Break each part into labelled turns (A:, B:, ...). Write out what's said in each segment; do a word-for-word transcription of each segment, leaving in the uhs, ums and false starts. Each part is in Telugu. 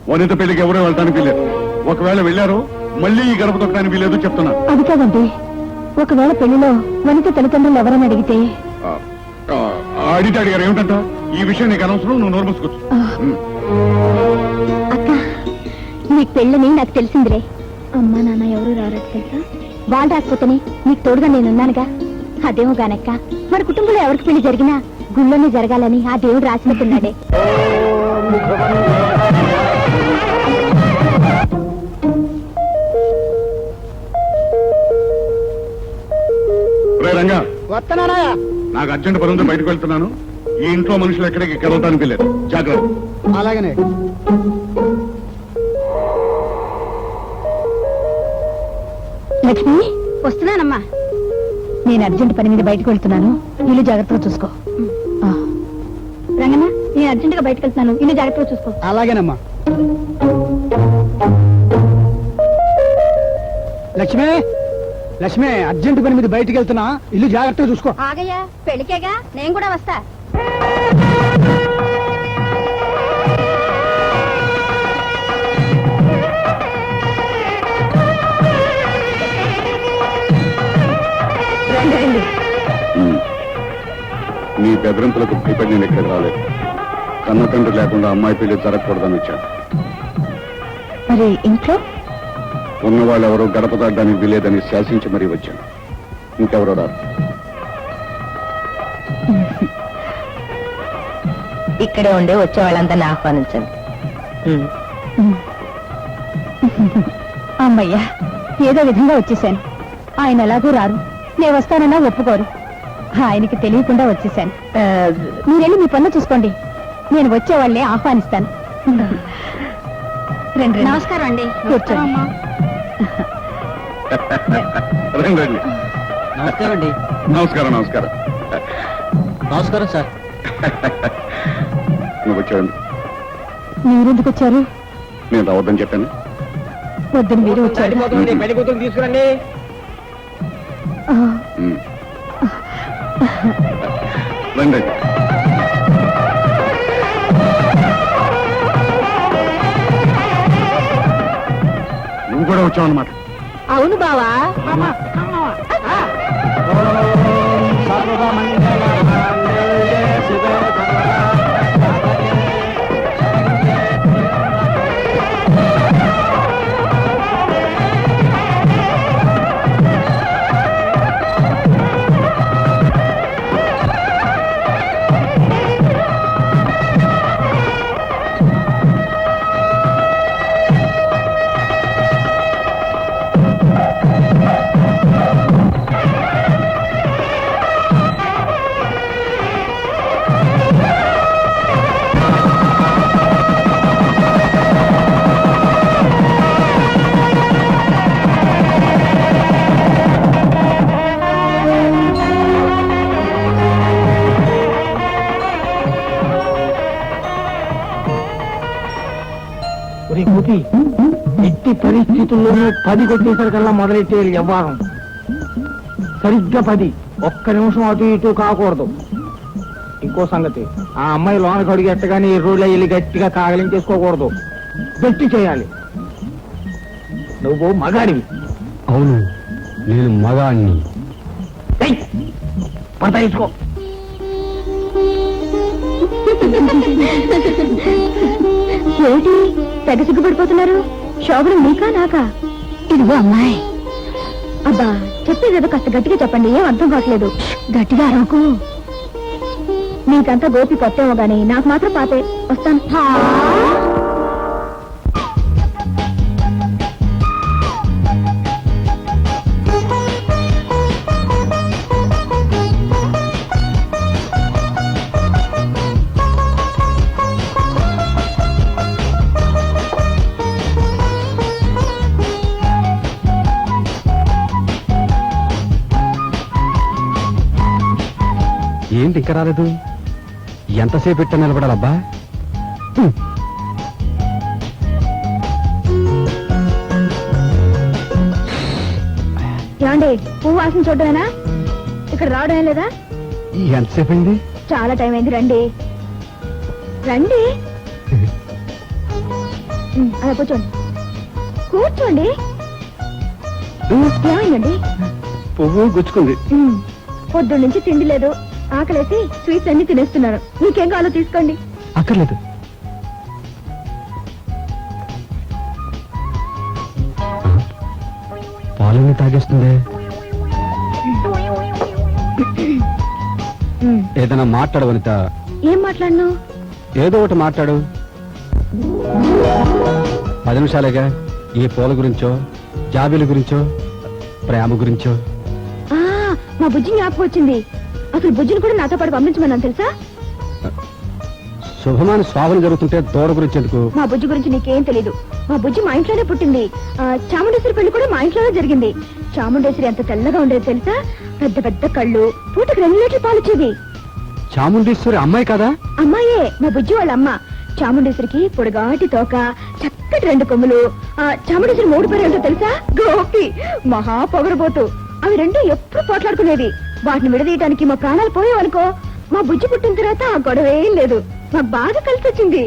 A: వనిత పెళ్లికి ఎవరో వెళ్ళడానికి వీలేదు. ఒకవేళ వెళ్ళారో మళ్ళీ ఈ గడప తొక్కడానికి వీలేదు చెప్తున్నా.
B: అది కాదండి, ఒకవేళ పెళ్లిలో వనిత తల్లిదండ్రులు ఎవరని అడిగితే?
A: అడిగితే అడిగారు ఏమిటంట? ఈ విషయం నీకు అనవసరం, నువ్వు నోరు మూసుకోవచ్చు.
B: అక్క, నీకు పెళ్ళని నాకు తెలిసిందిలే. అమ్మా నాన్న ఎవరు రారట తెలుసా? వాళ్ళు రాకపోతేనే నీకు తోడుగా నేనున్నానుగా. అదేమో గానక్క, మన కుటుంబంలో ఎవరికి పెళ్లి జరిగినా గుళ్ళోనే జరగాలని ఆ దేవుడు రాసినట్టున్నాడే.
A: రంగా,
C: వస్తున్నానా?
A: నాకు అర్జెంట్ పనుంది, బయటకు వెళ్తున్నాను. ఈ ఇంట్లో మనుషులు ఎక్కడికి కలవటానికి వెళ్ళారు. జాగ్రత్త.
C: అలాగనే.
B: లక్ష్మి, వస్తున్నానమ్మా. నేను అర్జెంట్ పని మీద బయటకు వెళ్తున్నాను, ఇల్లు జాగ్రత్తగా చూసుకో. రంగన్న, నేను అర్జెంట్ గా బయటకు వెళ్తున్నాను, ఇల్లు జాగ్రత్తగా చూసుకో.
C: అలాగేనమ్మా. లక్ష్మి, లక్ష్మి, అర్జెంట్ పని మీద బయటకు వెళ్తున్నా, ఇల్లు జాగ్రత్తగా చూసుకో.
B: ఆగయ్యా, పెళ్ళికేగా, నేను కూడా వస్తా.
A: నీ బెదిరింపులకు భయపడి నేను ఇక్కడ రాలేదు. కన్న తండ్రి లేకుండా అమ్మాయి పెళ్లి జరగకూడదని వచ్చాను.
B: మరి ఇంట్లో
A: ఉన్న వాళ్ళు ఎవరో గడప దాటడానికి వీలేదని శాసించి మరీ వచ్చాను. ఇంకెవరో రారు.
D: ఇక్కడే ఉండే వచ్చే వాళ్ళందరినీ ఆహ్వానించండి.
B: అమ్మయ్యా, ఏదో విధంగా వచ్చేసాను. ఆయన ఎలాగూ రారు, నేను వస్తానన్నా ఒప్పుకోరు. ఆయనకి తెలియకుండా వచ్చేసాను. మీరెళ్ళి మీ పనులు చూసుకోండి, నేను వచ్చే వాళ్ళే ఆహ్వానిస్తాను. రండి. నమస్కారం అండి. కూర్చోండి.
A: రండి రండి.
C: నమస్కారం అండి.
A: నమస్కారం. నమస్కారం.
C: నమస్కారం సార్.
A: నువ్వు వచ్చావండి.
B: మీరెందుకు వచ్చారు?
A: నేను రావద్దని చెప్పాను.
B: వద్దని మీరు వచ్చారు.
C: పెళ్లి కూతురు తీసుకురండి.
A: రండి. నువ్వు కూడా వచ్చావు అన్నమాట.
B: అవును బావా.
C: ఎట్టి పరిస్థితుల్లోనూ పది కొట్టేసరికల్లా మొదలెట్టేయాలి వ్యవహారం. సరిగ్గా పది, ఒక్క నిమిషం అటు ఇటు కాకూడదు. ఇంకో సంగతి, ఆ అమ్మాయి లోనకి అడిగి ఎట్టగానే ఈ రోజులో వెళ్ళి గట్టిగా కాగలించేసుకోకూడదు, గట్టి చేయాలి. నువ్వు మగాడివి.
E: అవును, నేను మగాణ్ణి.
C: పంట ఇచ్చుకో.
B: ఏమిటి తెగ సిగ్గుపడిపోతున్నారు? శోభనం మీకా నాకా? ఇదిగో అమ్మాయి. అబ్బా, చెప్పేదేదో కాస్త గట్టిగా చెప్పండి, ఏం అర్థం కావట్లేదు. గట్టిగా అరవకు. నీకంతా గోపి కొత్తేమో గానీ నాకు మాత్రం పాతే. వస్తాను.
E: ఏంటి ఇంకా రాలేదు? ఎంతసేపు ఇట్ట నిలబడాలబ్బా?
B: ఏమండి, పువ్వు వాసన చూడమేనా? ఇక్కడ రావడమే లేదా?
E: ఎంతసేపు అయింది?
B: చాలా టైం అయింది. రండి రండి. ఉమ్, అలా కూర్చోండి కూర్చోండి ఏమైందండి
A: పువ్వు గుచ్చుకుంది.
B: ఉమ్, పొద్దున్న నుంచి తిండి లేదు, ఆకలేసి స్వీట్స్ అన్ని తినేస్తున్నారు. మీకేం కావాలో తీసుకోండి.
E: అక్కర్లేదు. పాలని తాగేస్తుంది.
B: ఉమ్,
E: ఏదైనా మాట్లాడు వనిత.
B: ఏం మాట్లాడను?
E: ఏదో ఒకటి మాట్లాడు. పది నిమిషాలేగా. ఈ పూల గురించో, జాబీల గురించో, ప్రేమ గురించో.
B: ఆ, మా బుజ్జి జ్ఞాపకం వచ్చింది. అసలు బుజ్జిని కూడా నాతో పాటు పంపించమన్నాను తెలుసా?
E: శుభమాన స్వాభం జరుగుతుంటే దూర గురించి ఎందుకు?
B: మా బుజ్జి గురించి నీకేం తెలీదు. మా బుజ్జి మా ఇంట్లోనే పుట్టింది. ఆ, చాముండేశ్వరి పెళ్లి కూడా మా ఇంట్లోనే జరిగింది. చాముండేశ్వరి ఎంత తెల్లగా ఉండేది తెలుసా? పెద్ద పెద్ద కళ్ళు, పూటకు రెండు లీటర్లు పాలిచ్చేది.
E: చాముండేశ్వరి అమ్మాయి కదా?
B: అమ్మాయే, మా బుజ్జి వాళ్ళ అమ్మ. చాముండేశ్వరికి పొడుగాటి తోక, చక్కటి రెండు కొమ్ములు. ఆ, చాముండేశ్వరి మూడు పేరు ఏంటో తెలుసా? గోపి, మహా పొగరబోతు. అవి రెండు ఎప్పుడు పోట్లాడుకునేది. వాటిని విడదీయటానికి మా ప్రాణాలు పోయేవనుకో. మా బుజ్జి పుట్టిన తర్వాత ఆ గొడవ ఏం లేదు. మాకు బాగా కలిసి వచ్చింది.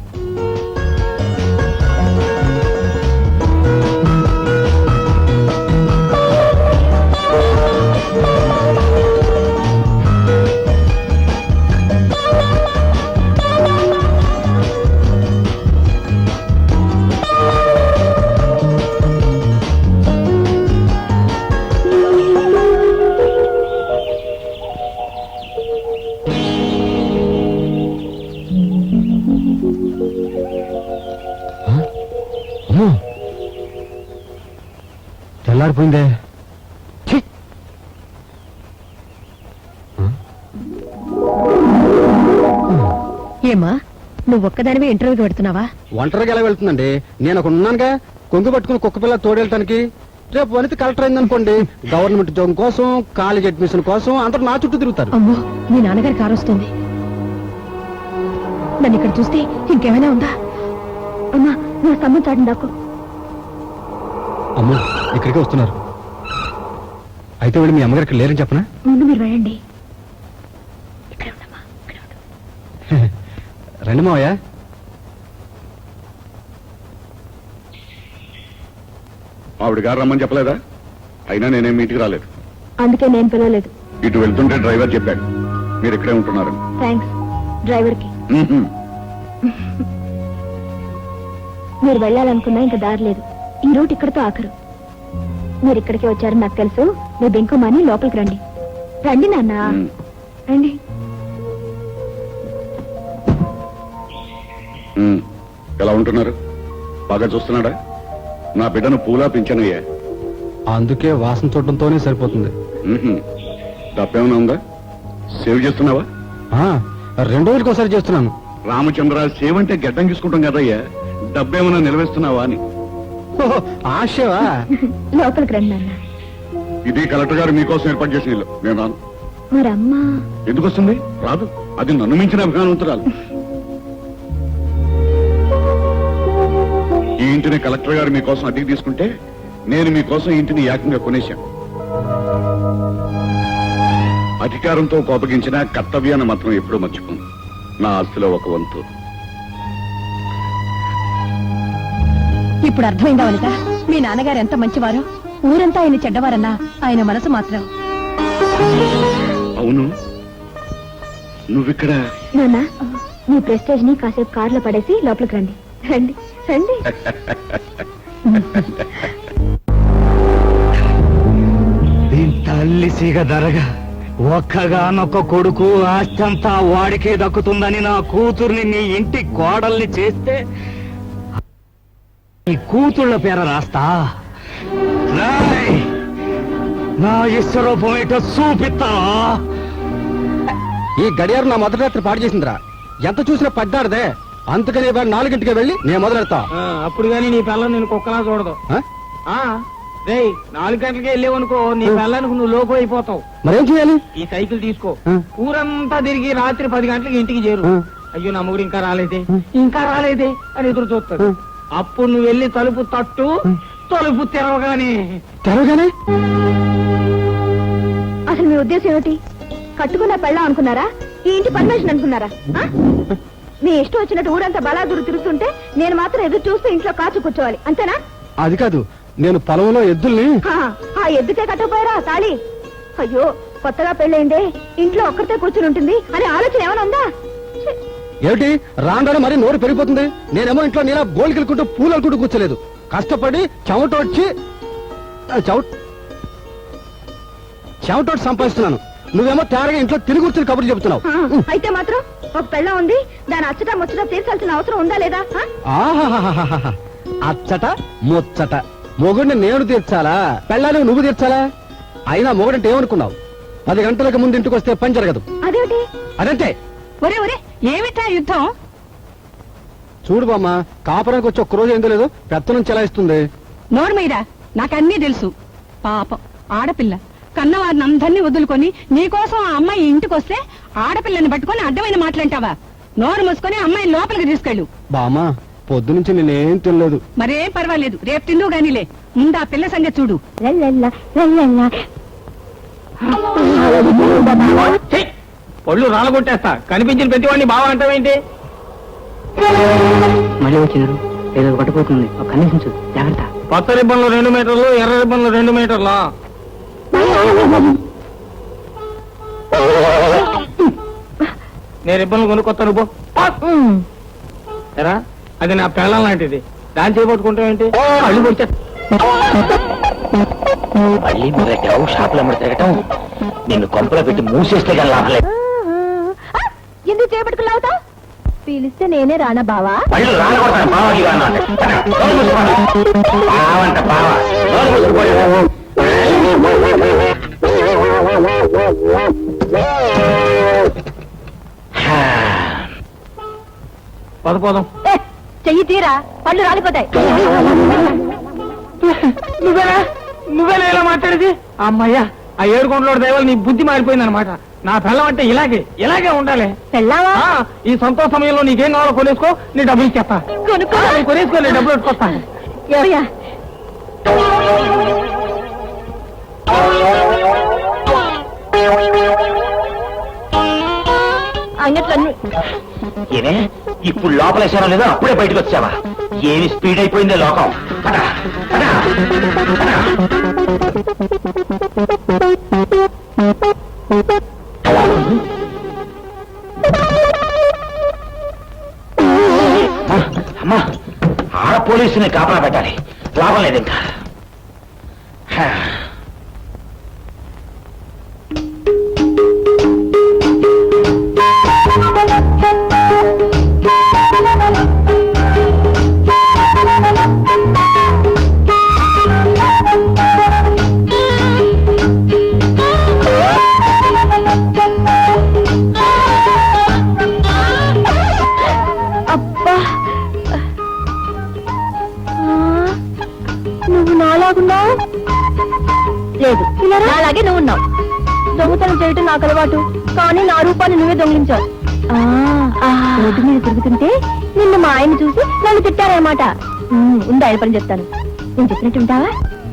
E: అమ్మో, తెల్లారిపోయిందే. ఛీ!
D: ఏమా నువ్వు ఒక్కదానివే ఇంటర్వ్యూకి పెడుతున్నావా?
E: ఒంటరిగా ఎలా వెళ్తుందండి? నేను ఒక ఉన్నానుగా, కొంగు పట్టుకుని కుక్క పిల్ల తోడేళ్ళటానికి. రేపు వనిత కలెక్టర్ అయిందనుకోండి, గవర్నమెంట్ ఉద్యోగం కోసం, కాలేజ్ అడ్మిషన్ కోసం అందరూ నా చుట్టూ తిరుగుతారు.
D: అమ్మో, మీ నాన్నగారి కారు వస్తుంది. నన్ను ఇక్కడ చూస్తే ఇంకేమైనా ఉందా?
B: అమ్మా, నా స్తంభం చాటం దాకు.
E: అమ్మో, ఇక్కడికే వస్తున్నారు. అయితే వెళ్ళి మీ అమ్మగారికి లేరని చెప్పనా?
B: ముందు మీరు వెళ్ళండి. ఇక్కడ ఉండమ్మా, ఇక్కడ ఉండు.
E: రండి మావయ్య.
A: ఆవిడ గారు రమ్మని చెప్పలేదా? అయినా నేనేం ఇంటికి రాలేదు.
B: అందుకే నేను పిలవలేదు.
A: ఇటు వెళ్తుంటే డ్రైవర్ చెప్పాడు మీరు ఇక్కడే ఉంటున్నారు.
B: థ్యాంక్స్ డ్రైవర్ కి.
A: మ్మ్హ్మ్.
B: మీరు వెళ్ళాలనుకున్నా ఇంకా దారి లేదు. ఈ రూట్ ఇక్కడతో ఆఖరు. మీరు ఇక్కడికి వచ్చారని నాకు తెలుసు. మీ బెంకుమాని లోపలికి రండి. రండి నాన్న,
A: మ్మ్.
B: రండి.
A: మ్మ్. ఎలా ఉంటున్నారు? బాగా చూస్తున్నాడా? నా బిడ్డను పూలా పెంచానయ్యా.
E: అందుకే వాసన చూడటంతోనే సరిపోతుంది.
A: మ్మ్హ్మ్. డబ్బేమైనా ఉందా? సేవ్ చేస్తున్నావా?
E: ఆ, రెండు రోజులకి ఒకసారి చేస్తున్నాను.
A: రామచంద్ర, సేవ్ అంటే గడ్డం తీసుకుంటాం కదయ్యా. డబ్బేమైనా నిలవేస్తున్నావా అని.
E: ఓహో, ఆశవా?
B: లోపలికి రండి నాన్న.
A: ఇది కలెక్టర్ గారు మీకోసం ఏర్పాటు చేసిన ఇల్లు. నేను రాను.
B: మరి అమ్మా
A: ఎందుకు వస్తుంది? రాదు. అది నన్ను మించిన అభిమానవంతురాలు. ఈ ఇంటిని కలెక్టర్ గారు మీకోసం అద్దెకి తీసుకుంటే నేను మీకోసం ఈ ఇంటిని ఏకంగా కొనేశాను. అధికారంతో కోపగించిన కర్తవ్యాన్ని మాత్రం ఎప్పుడూ మర్చిపోను. నా ఆస్తిలో ఒక వంతు.
D: ఇప్పుడు అర్థమైందా వనిత? మీ నాన్నగారు ఎంత మంచివారో. ఊరంతా ఆయన చెడ్డవారన్నా ఆయన మనసు మాత్రం.
A: అవును, నువ్విక్కడ.
B: నాన్న, మీ ప్రెస్టేజ్ ని కాసేపు కార్లో పడేసి లోపలికి రండి. రండి రండి.
C: దీని తల్లి సీగ దరగా ఒక్కగానొక్క కొడుకు ఆస్తంతా వాడికే దక్కుతుందని నా కూతుర్ని నీ ఇంటి కోడల్ని చేస్తే నీ కూతుళ్ళ పేర రాస్తా. రాయ్, నా ఇష్టరూపం ఏంటో చూపిస్తా.
E: ఈ గడియారం నా మొదటి రాత్రి పాడు చేసిందిరా. ఎంత చూసినా పడ్డారదే. అందుకని ఇవాళ నాలుగింటికి వెళ్ళి నేను మొదలెడతా.
C: అప్పుడు గాని నీ పిల్ల నేను కుక్కలా చూడదు.
E: ఆ?
C: రే, నాలుగు గంటలకే వెళ్ళేవనుకో నీ పిల్లానికి నువ్వు లోపు అయిపోతావు.
E: మరేం చేయాలి?
C: ఈ సైకిల్ తీసుకో,
E: ఆ.
C: ఊరంతా తిరిగి రాత్రి పది గంటలకి ఇంటికి చేరు.
E: ఆ.
C: అయ్యో నా మొగుడు ఇంకా రాలేదే,
E: ఆ.
C: ఇంకా రాలేదే అని ఎదురు చూస్తాడు.
E: ఆ.
C: అప్పుడు నువ్వు వెళ్ళి తలుపు తట్టు,
E: ఆ.
C: తలుపు తెరవగానే
E: తెరవగానే
B: అసలు మీ ఉద్దేశం ఏమిటి? కట్టుకున్న పెళ్ళం అనుకున్నారా? ఈ ఇంటి పర్మిషన్ అనుకున్నారా? ఆ? నీ ఇష్టం వచ్చినట్టు ఊరంతా బలాదూరు తిరుగుతుంటే నేను మాత్రం ఎదురు చూస్తూ ఇంట్లో కాచు కూర్చోవాలి అంతేనా?
E: అది కాదు, నేను పొలంలో ఎద్దుల్ని
B: హా, ఆ ఎద్దుకే కట్టపోయారా తాళి? అయ్యో కొత్తగా పెళ్ళైందే, ఇంట్లో ఒక్కరితే కూర్చుని ఉంటుంది అనే ఆలోచన ఏమైనా ఉందా? ఛీ!
E: ఏమిటి రాను మరి నోరు పెరిగిపోతుంది. నేనేమో ఇంట్లో నీలా గోల్కెళ్ళుకుంటూ పూలు అనుకుంటూ కూర్చోలేదు. కష్టపడి చెమట వచ్చి చెమట చెమటోటి సంపాదిస్తున్నాను. నువ్వేమో తేరగా ఇంట్లో తిరిగి కూర్చుని కబుర్లు చెబుతున్నావు.
B: ఆ, అయితే మాత్రం ఒక పెళ్ళం ఉంది, దాని అచ్చట ముచ్చట తీర్చాల్సిన అవసరం ఉందా లేదా? ఆ?
E: ఆహాహాహాహా. అచ్చట ముచ్చట మొగుడిని నేను తీర్చాలా, పెళ్ళాలి నువ్వు తీర్చాలా? అయినా మొగుడంటే ఏమనుకున్నావు? పది గంటలకు ముందు ఇంటికి వస్తే పని జరగదు.
B: అదేమిటి?
E: అదంతే.
D: ఒరే ఒరే ఏమిటా యుద్ధం?
E: చూడు బామ్మ, కాపురానికి వచ్చి ఒక్క రోజు ఏందో లేదు పెత్తనం చెలాయిస్తుంది.
D: నోరు మీరా, నాకన్నీ తెలుసు. పాపం ఆడపిల్ల కన్నవారిని అందరినీ వదులుకొని నీకోసం ఆ అమ్మాయి ఇంటికి వస్తే ఆడపిల్లని పట్టుకొని అడ్డమైన మాట్లాంటావా? నోరు మూసుకొని అమ్మాయి లోపలికి తీసుకెళ్ళు.
E: బామ్మ, పొద్దు నుంచి నేనేం తినలేదు.
D: మరేం పర్వాలేదు, రేపు తిందువు గానిలే. ముందు ఆ పిల్ల సంగతి చూడు.
B: లల్లల్లా, లల్లల్లా.
C: ఛీ! పళ్ళు రాలగొట్టేస్తా. కనిపించిన ప్రతి వాడిని బావ అంటావేంటి?
F: మళ్ళీ వచ్చినారు, ఏదో పట్టుకోతుంది. కనీసించు, జాగ్రత్త.
C: పచ్చ రిబ్బన్లు రెండు మీటర్లు, ఎర్ర రిబ్బన్లు రెండు మీటర్లా. నేను రిబ్బన్లు కొనుక్కొత్తా, నువ్వు ఎరా. అది నా పెళ్ళం లాంటిది, దాన్ని చేపట్టుకుంటావేంటి? కళ్ళు పొడిచే.
F: మళ్ళీ మొదలెట్టావు షాపులో అమ్మడి తిరగటం. నిన్ను కొంపలో పెట్టి మూసేస్తే కానీ లాభం లేదు.
B: ఆ, ఎందుకు చేపట్టుకులావుతా? పిలిస్తే నేనే రానా బావా?
F: పళ్ళు రాలగొడతాను బావకి బావంట బావ.
C: పద పోదాం.
B: ఏ, చెయ్యి తీరా, పళ్ళు రాలిపోతాయి.
C: నువ్వేనా నువ్వేనా ఇలా మాట్లాడేది? అమ్మయ్యా, ఆ ఏడు కొండలో దైవాలు నీ బుద్ధి మారిపోయింది అనమాట. నా పిల్లం అంటే ఇలాగే ఇలాగే ఉండాలి.
B: పెళ్ళావా?
C: ఆ, ఈ సంతోష సమయంలో నీకేం కావాలో కొనేసుకో, నీ డబ్బులు ఇచ్చేస్తా.
B: కొనుక్కో.
C: ఆ, నీ కొనేసుకో, నీ డబ్బులు పెట్టుకొస్తా.
B: ఏవయ్యా? అంగట్లో
F: ఏమే ఇప్పుడు లోపలేసానో లేదో అప్పుడే బయటకు వచ్చావా? ఏమి స్పీడ్ అయిపోయిందే లోకం. పద, పద, పద. అమ్మా, ఆడ పోలీసుని కాపలా పెట్టాలి, లాభం లేదు ఇంకా. హా.
B: అబ్బా, నువ్వు నాలాగున్నావు. లేదు, అలాగే నువ్వు ఉన్నావు. దొంగతనం చేయటం నాకు అలవాటు, కానీ నా రూపాన్ని నువ్వే దొంగిలించావు. రోడ్డు మీద తిరుగుతుంటే నిన్ను మా ఆయన చూసి నన్ను తిట్టారన్నమాట. ఉంది ఆయన పని చెప్తాను, నేను చెప్పినట్టు ఉంటావా?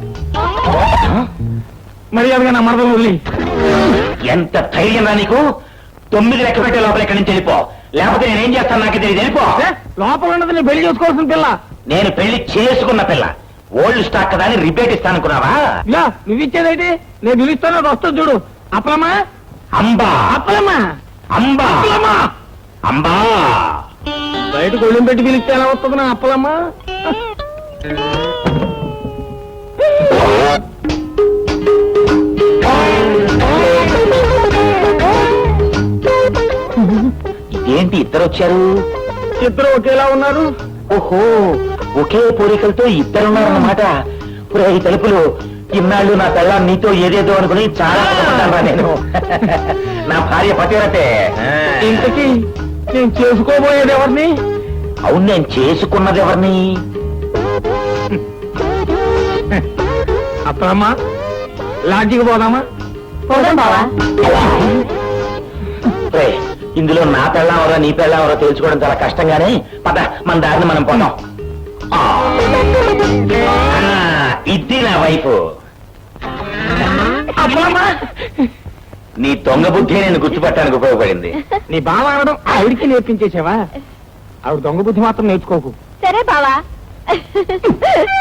C: మర్యాదగా నా మరదలు వదిలి.
F: ఎంత ధైర్యం రా నీకు? తొమ్మిది లెక్క పెట్టే లోపల ఎక్కడి నుంచి వెళ్ళిపో, లేకపోతే నేనేం చేస్తాను నాకు తెలియదు. వెళ్ళిపో.
C: ఏ, లోపల ఉన్నది నీ పెళ్లి చేసుకోవాల్సిన పిల్ల.
F: నేను పెళ్లి చేసుకున్న పిల్ల, ఓల్డ్ స్టాక్ కదా అని రిపేట్ ఇస్తానుకున్నావా?
C: ఇలా నువ్వు ఇచ్చేదైతే నేను పిలుస్తాను, అది వస్తుంది చూడు. అప్పలమ్మా,
F: అంబా
C: అప్పలమ్మా,
F: అంబా
C: అప్పలమ్మా.
F: అంబా.
C: బయటకు ఒళ్ళం పెట్టి పిలిస్తే ఎలా వస్తుంది నా అప్పలమ్మా?
F: ఇదేంటి ఇద్దరు వచ్చారు?
C: ఇద్దరు ఒకేలా ఉన్నారు.
F: ఓహో, ఒకే పోలికలతో ఇద్దరున్నారన్నమాట. పురే ఈ తలుపులు, ఇన్నాళ్ళు నా పిల్ల నీతో ఏదేదో అనుకుని చాలా బాధపడ్డానురా నేను. నా భార్య పతివ్రతే.
C: ఇంతకీ నేను చేసుకోబోయేది ఎవరిని?
F: అవును, నేను చేసుకున్నది ఎవరిని?
C: అప్పలమ్మా, లాడ్జికి పోదామా?
B: పోదాం బావా.
F: రే, ఇందులో నా పెళ్ళావరో నీ పెళ్ళావరో తెలుసుకోవడం చాలా కష్టంగానే. పద, మన దారిని మనం పోదాం. ఆ, ఇది నా వైపు.
C: అప్పలమ్మా,
F: నీ దొంగ బుద్ధి నేను గుర్తుపట్టడానికి ఉపయోగపడింది.
C: నీ బావ అనడం ఆవిడికి నేర్పించేసావా? ఆవిడ దొంగ బుద్ధి మాత్రం నేర్చుకోకు
B: సరే బావా